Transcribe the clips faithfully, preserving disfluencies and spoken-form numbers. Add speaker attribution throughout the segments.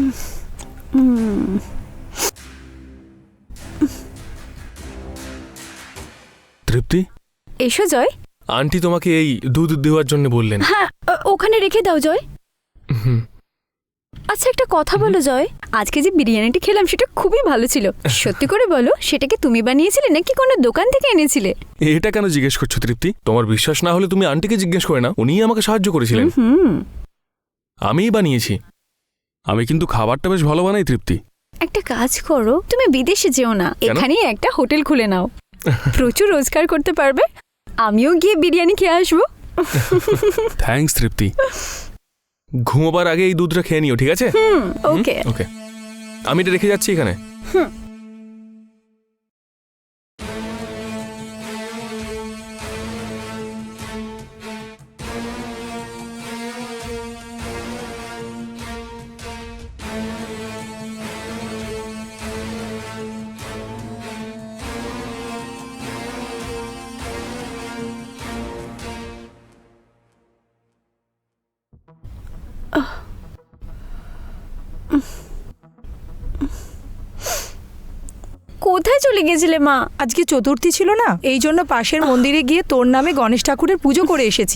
Speaker 1: তৃপ্তি,
Speaker 2: এসো জয়।
Speaker 1: আন্টি তোমাকে এই দুধ দেওয়ার জন্য বললেন।
Speaker 2: হ্যাঁ, ওখানে রেখে দাও জয়। আচ্ছা, একটা কথা বলো জয়, আজকে যে বিরিয়ানিটি খেলাম সেটা খুবই ভালো ছিল। সত্যি করে বলো, সেটা কি তুমি বানিয়েছিলে নাকি কোনো দোকান থেকে এনেছিলে?
Speaker 1: এটা কেন জিজ্ঞেস করছো তৃপ্তি? তোমার বিশ্বাস না হলে তুমি আন্টিকে জিজ্ঞেস করে না, উনিই আমাকে সাহায্য করেছিলেন।
Speaker 2: হুম,
Speaker 1: আমিই বানিয়েছি। আমি কিন্তু খাবারটা বেশ ভালো বানাই তৃপ্তি।
Speaker 2: একটা কাজ করো, তুমি বিদেশে যেও না, এখানেই একটা হোটেল খুলে নাও, প্রচুর রোজগার করতে পারবে। আমিও গিয়ে বিরিয়ানি খেয়ে আসবো।
Speaker 1: থ্যাঙ্কস তৃপ্তি। ঘুমোবার আগে এই দুধটা খেয়ে নিও, ঠিক আছে?
Speaker 2: হুম, ওকে
Speaker 1: ওকে, আমি এটা রেখে যাচ্ছি এখানে।
Speaker 2: হুম। কোথায় চলে গেছিলে মা?
Speaker 3: আজকে চতুর্থী ছিল না, এই জন্য পাশের মন্দিরে গিয়ে তোর নামে গণেশ ঠাকুরের পুজো করে এসেছি।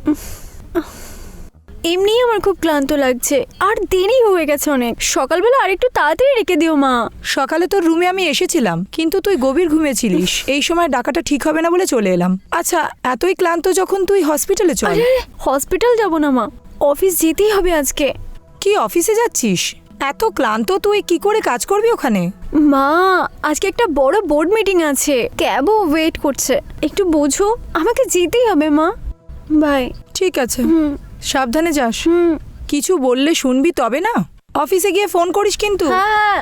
Speaker 2: এমনি আমার খুব ক্লান্ত লাগছে, আর দেরি হয়ে গেছে অনেক। সকালবেলা আরেকটু তাড়াতাড়ি রেখে দিও মা।
Speaker 3: সকালে তোর রুমে আমি এসেছিলাম, কিন্তু তুই গভীর ঘুমিয়েছিলিস। এই সময় ডাকাটা ঠিক হবে না বলে চলে এলাম। আচ্ছা, এতই ক্লান্ত যখন তুই হসপিটালে চল।
Speaker 2: আরে হসপিটাল যাব না মা, অফিস যেতেই হবে আজকে।
Speaker 3: কি অফিসে যাচ্ছিস? এত ক্লান্ত তুই কি করে কাজ করবি ওখানে?
Speaker 2: মা, আজকে একটা বড় বোর্ড মিটিং আছে, ক্যাবও ওয়েট করছে, একটু বোঝো, আমাকে যেতেই হবে মা। বাই।
Speaker 3: ঠিক আছে,
Speaker 2: হুম
Speaker 3: সাবধানে যাস।
Speaker 2: হুম।
Speaker 3: কিছু বললে শুনবি তবে না। অফিসে গিয়ে ফোন করিস কিন্তু।
Speaker 2: হ্যাঁ।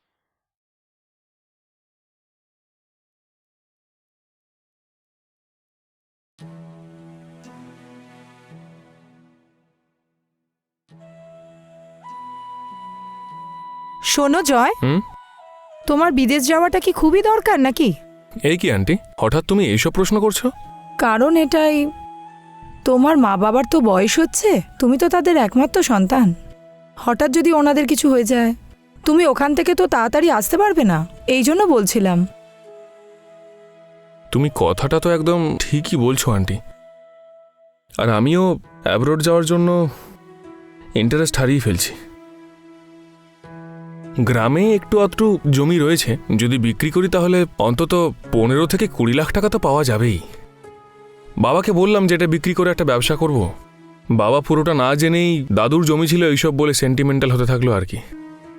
Speaker 3: শোনো জয়,
Speaker 1: হুম?
Speaker 3: তোমার বিদেশ যাওয়াটা কি খুবই দরকার নাকি?
Speaker 1: এই কি আন্টি, হঠাৎ তুমি এইসব প্রশ্ন করছো?
Speaker 3: কারণ এটাই, তোমার মা বাবার তো বয়স হচ্ছে, তুমি তো তাদের একমাত্র সন্তান। হঠাৎ যদি ওনাদের কিছু হয়ে যায়, তুমি ওখান থেকে তো তাড়াতাড়ি আসতে পারবে না, এই জন্য বলছিলাম।
Speaker 1: তুমি কথাটা তো একদম ঠিকই বলছো আন্টি। আর আমিও অ্যাব্রোড যাওয়ার জন্য ইন্টারেস্ট হারিয়ে ফেলছি। গ্রামে একটু আধটু জমি রয়েছে, যদি বিক্রি করি তাহলে অন্তত পনেরো থেকে কুড়ি লাখ টাকা তো পাওয়া যাবেই। বাবাকে বললাম যে এটা বিক্রি করে একটা ব্যবসা করব। বাবা পুরোটা না জেনেই দাদুর জমি ছিল এইসব বলে সেন্টিমেন্টাল হতে থাকলো আর কি।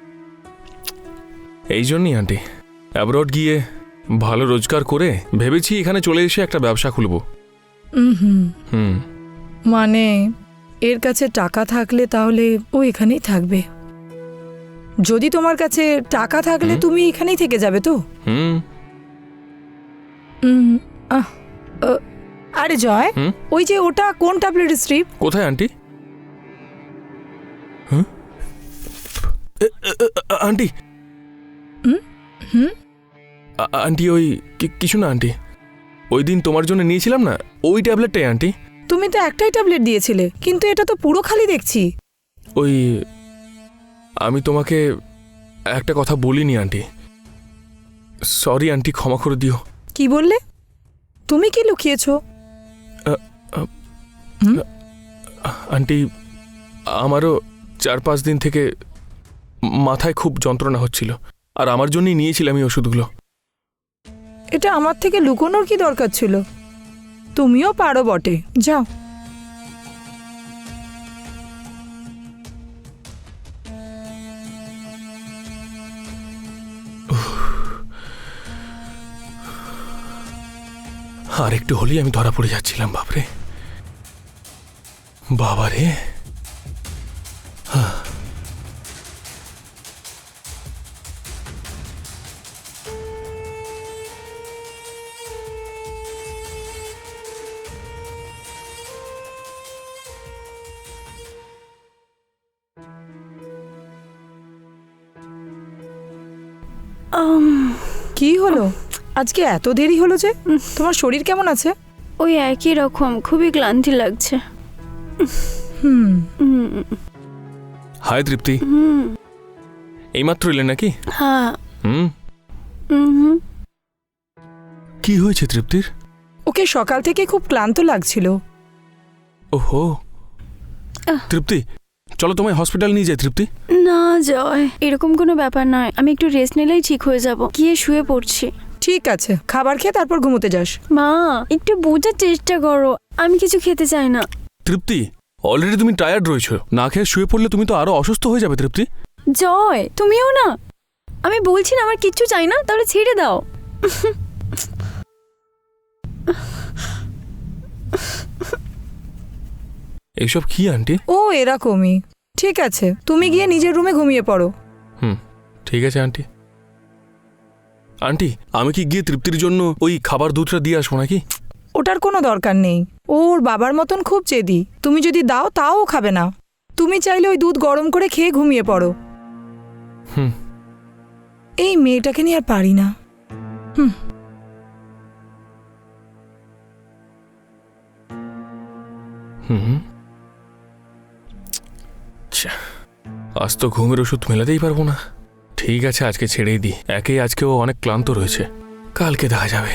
Speaker 1: এই জন্যই আন্টি অ্যাব্রড গিয়ে ভালো রোজগার করে ভেবেছি এখানে চলে এসে একটা ব্যবসা খুলব।
Speaker 3: হুম
Speaker 1: হুম।
Speaker 3: মানে এর কাছে টাকা থাকলে তাহলে ও এখানেই থাকবে। যদি তোমার কাছে টাকা থাকলে
Speaker 1: হুম।
Speaker 3: তুমি এখানেই থেকে যাবে তো?
Speaker 1: হুম।
Speaker 3: হুম। আহ, আ, আরে জয়,
Speaker 1: হুম?
Speaker 3: ওই যে ওটা কোন ট্যাবলেট স্ট্রিপ?
Speaker 1: কোথায় আন্টি? হ্যাঁ? এ- এ- এ- আন্টি
Speaker 3: হুম হুম
Speaker 1: আ- আন্টি ওই কি- কিছু না আন্টি, ওই দিন তোমার জন্য নিয়েছিলাম না, ওই ট্যাবলেটটাই আন্টি।
Speaker 3: তুমি তো একটাই ট্যাবলেট দিয়েছিলে, কিন্তু এটা তো পুরো খালি দেখছি।
Speaker 1: ওই আমি তোমাকে একটা কথা বলিনি আন্টি, সরি আন্টি, ক্ষমা করে দিও।
Speaker 3: কি বললে? তুমি কি লুকিয়েছো?
Speaker 1: আন্টি, আমারও চার পাঁচ দিন থেকে মাথায় খুব যন্ত্রণা হচ্ছিল, আর আমার জন্যই নিয়েছিলাম এই ওষুধগুলো।
Speaker 3: এটা আমার থেকে লুকোনোর কি দরকার ছিল? তুমিও পারো বটে, যাও।
Speaker 1: আর একটু হলেই আমি ধরা পড়ে যাচ্ছিলাম। বাপরে বাবারে। হ্যাঁ।
Speaker 3: কি হলো? আজকে এত দেরি হলো যে? তোমার শরীর কেমন আছে?
Speaker 2: ওই একই রকম, খুবই ক্লান্তি লাগছে।
Speaker 3: হুম
Speaker 1: হাই তৃপ্তি।
Speaker 2: হুম
Speaker 1: এইমাত্র এলেন নাকি?
Speaker 2: হ্যাঁ।
Speaker 1: হুম।
Speaker 2: হুম।
Speaker 1: কি হয়েছে তৃপ্তির?
Speaker 3: ওকে সকাল থেকে খুব ক্লান্ত লাগছিল।
Speaker 1: ওহো
Speaker 2: আহ।
Speaker 1: তৃপ্তি, চলো তোমায় হসপিটাল নিয়ে যাই। তৃপ্তি,
Speaker 2: না জয়, এরকম কোনো ব্যাপার নয়, আমি একটু রেস্ট নিলেই ঠিক হয়ে যাব। গিয়ে শুয়ে পড়ছি।
Speaker 3: ঠিক আছে, খাবার খেয়ে তারপর ঘুমোতে যাস।
Speaker 2: মা, একটু বোঝার চেষ্টা করো, আমি কিছু খেতে চাই না।
Speaker 1: তৃপ্তি, অলরেডি তুমি টায়ার্ড রয়েছো, না খেয়ে শুয়ে পড়লে তুমি তো আরো অসুস্থ হয়ে যাবে। তৃপ্তি,
Speaker 2: জয়, তুমিও না। আমি বলছি না আমার কিচ্ছু চাই না, তাহলে ছেড়ে দাও।
Speaker 1: এইসব কি আন্টি?
Speaker 3: ও এরকমই। ঠিক আছে, তুমি গিয়ে নিজের রুমে ঘুমিয়ে পড়ো।
Speaker 1: হুম, ঠিক আছে আন্টি। আন্টি, আমি কি গিয়ে তৃপ্তির জন্য ওই খাবার দুধটা দিয়ে আসবো নাকি?
Speaker 3: ওটার কোনো দরকার নেই, ওর বাবার মতন খুব জেদি। তুমি যদি দাও তাও ও খাবে না। তুমি চাইলে ওই দুধ গরম করে খেয়ে ঘুমিয়ে পড়ো।
Speaker 1: হুম।
Speaker 3: এই মেয়েটাকে নিয়ে আর পারি না। হুম।
Speaker 1: হুম। আচ্ছা, আজ তো ঘুমের ওষুধ মেলাতেই পারবো না। ঠিক আছে, আজকে ছেড়েই দিই। একেই আজকে ও অনেক ক্লান্ত রয়েছে, কালকে দেখা যাবে।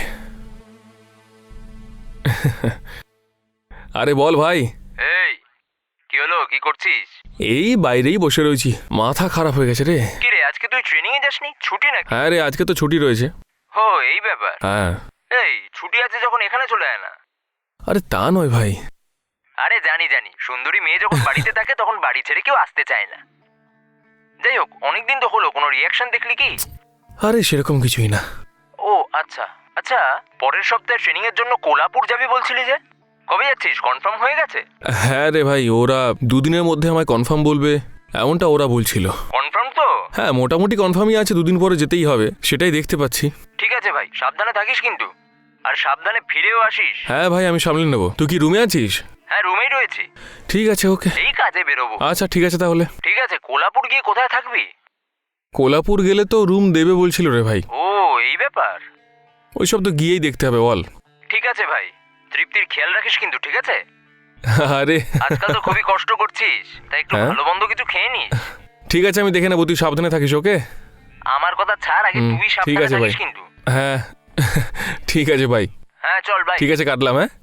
Speaker 1: আরে বল ভাই।
Speaker 4: এই কি হলো, কি করছিস?
Speaker 1: এই বাইরেই বসে রয়েছি, মাথা খারাপ হয়ে গেছে রে।
Speaker 4: কি রে, আজকে তুই ট্রেনিং এ যাসনি? ছুটি নাকি?
Speaker 1: হ্যাঁ রে, আজকে তো ছুটি রয়েছে।
Speaker 4: হো, এই ব্যাপার।
Speaker 1: হ্যাঁ।
Speaker 4: এই ছুটি আছে যখন এখানে চলে আয় না।
Speaker 1: আরে তা নয় ভাই।
Speaker 4: আরে জানি জানি, সুন্দরী মেয়ে যখন বাড়িতে থাকে তখন বাড়ি ছেড়ে কেউ আসতে চায় না। যাই হোক, অনেকদিন তো হলো, কোনো রিয়াকশন দেখলি কি?
Speaker 1: আরে সেরকম কিছুই না।
Speaker 4: ও আচ্ছা আচ্ছা, পরের সপ্তাহে ট্রেনিং এর জন্য কোলাপুর যাবি বলছিলি যে, কবে যাচ্ছিস? কনফার্ম হয়ে গেছে?
Speaker 1: হ্যাঁ রে ভাই, ওরা দুদিনের মধ্যে আমায় কনফার্ম বলবে, এমনটা ওরা বলছিল।
Speaker 4: কনফার্ম তো?
Speaker 1: হ্যাঁ, মোটামুটি কনফার্মই আছে, দুদিন পরে যেতেই হবে, সেটাই দেখতে পাচ্ছি।
Speaker 4: ঠিক আছে ভাই, সাবধানে থাকিস কিন্তু, আর সাবধানে ফিরেও আসিস।
Speaker 1: হ্যাঁ ভাই, আমি সামলে নেবো। তুই কি রুমে আছিস?
Speaker 4: হ্যাঁ, রুমেই রয়েছি।
Speaker 1: ঠিক আছে, ওকে।
Speaker 4: এই কাজে বেরোবো।
Speaker 1: আচ্ছা ঠিক আছে তাহলে।
Speaker 4: ঠিক আছে, কোলাপুর গিয়ে কোথায় থাকবি?
Speaker 1: কোলাপুর গেলে তো রুম দেবে বলছিল রে ভাই।
Speaker 4: ও এই ব্যাপার।
Speaker 1: ওইসব তো গিয়েই দেখতে হবে বল।
Speaker 4: ঠিক আছে ভাই, তৃপ্তির খেয়াল রাখিস কিন্তু, ঠিক আছে?
Speaker 1: আরে
Speaker 4: আজকাল তো খুবই কষ্ট করছিস, তাই একটু
Speaker 1: হ্যাঁ?
Speaker 4: ভালো মন্দ কিছু খেয়ে নিস।
Speaker 1: ঠিক আছে, আমি দেখে নেবো, তুই সাবধানে থাকিস, ওকে?
Speaker 4: আমার কথা ছাড়, আগে
Speaker 1: হুম,
Speaker 4: তুই
Speaker 1: ঠিক
Speaker 4: সাবধানে
Speaker 1: আছে ভাই।
Speaker 4: থাকিস কিন্তু।
Speaker 1: হ্যাঁ ঠিক আছে ভাই।
Speaker 4: হ্যাঁ চল ভাই।
Speaker 1: ঠিক আছে, কাটলাম। হ্যাঁ।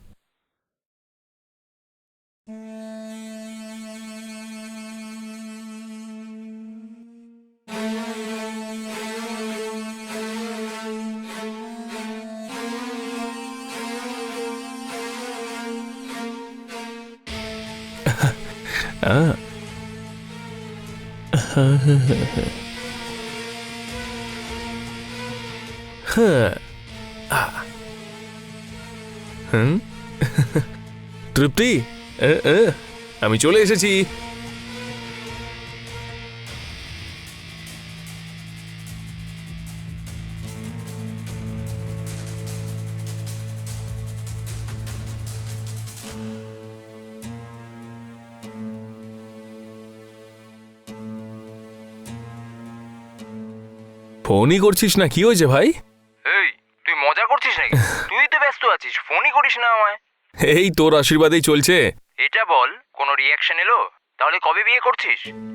Speaker 1: আহ। হ্যাঁ। হুম। তৃপ্তি, এ, এ, আমি চলে এসেছি। ফোনই করছিস না, কি হয়েছে ভাই?
Speaker 4: এই তুই মজা করছিস নাকি? তুই তো ব্যস্ত আছিস, ফোনই করিস না আমায়।
Speaker 1: এই তোর আশীর্বাদেই চলছে।
Speaker 4: এটা বল, কোনো রিয়াকশন এলো? তাহলে কবে বিয়ে করছিস?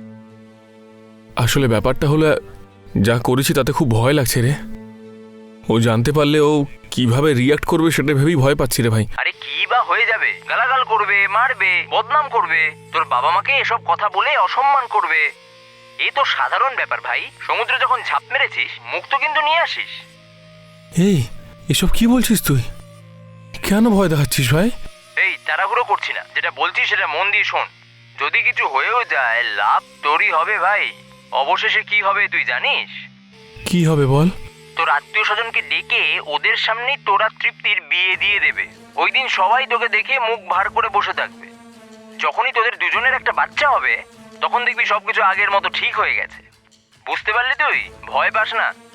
Speaker 1: আসলে ব্যাপারটা হলো, যা করেছি তাতে খুব ভয় লাগছে রে। ও জানতে পারলে ও কিভাবে রিয়াক্ট করবে সেটা ভেবেই ভয় পাচ্ছি রে ভাই।
Speaker 4: আরে কি বা হয়ে যাবে? গালাগাল করবে, মারবে, বদনাম করবে, তোর বাবা মাকে এসব কথা বলে অসম্মান করবে। এই তো সাধারণ ব্যাপার ভাই। সমুদ্রে যখন ঝাঁপ মেরেছিস, মুখ তো কিন্তু নিয়ে আসিস।
Speaker 1: এই এসব কি বলছিস তুই? কেন ভয় দেখাচ্ছিস ভাই?
Speaker 4: এই তাড়াহুড়ো করছি না, যেটা বলছি সেটা মন দিয়ে শোন। যদি কিছু হয়েও যায়, লাভ তোরই হবে ভাই। অবশেষে কি হবে তুই জানিস?
Speaker 1: কি হবে বল?
Speaker 4: তোর আত্মীয় স্বজনকে ডেকে ওদের সামনেই তোরা তৃপ্তির বিয়ে দিয়ে দেবে। ওই দিন সবাই তোকে দেখে মুখ ভার করে বসে থাকবে। যখনই তোদের দুজনের একটা বাচ্চা হবে, তখন দেখবি সবকিছু আগের মতো ঠিক হয়ে গেছে। বুঝতে পারলি তুই? ভয় পাস না।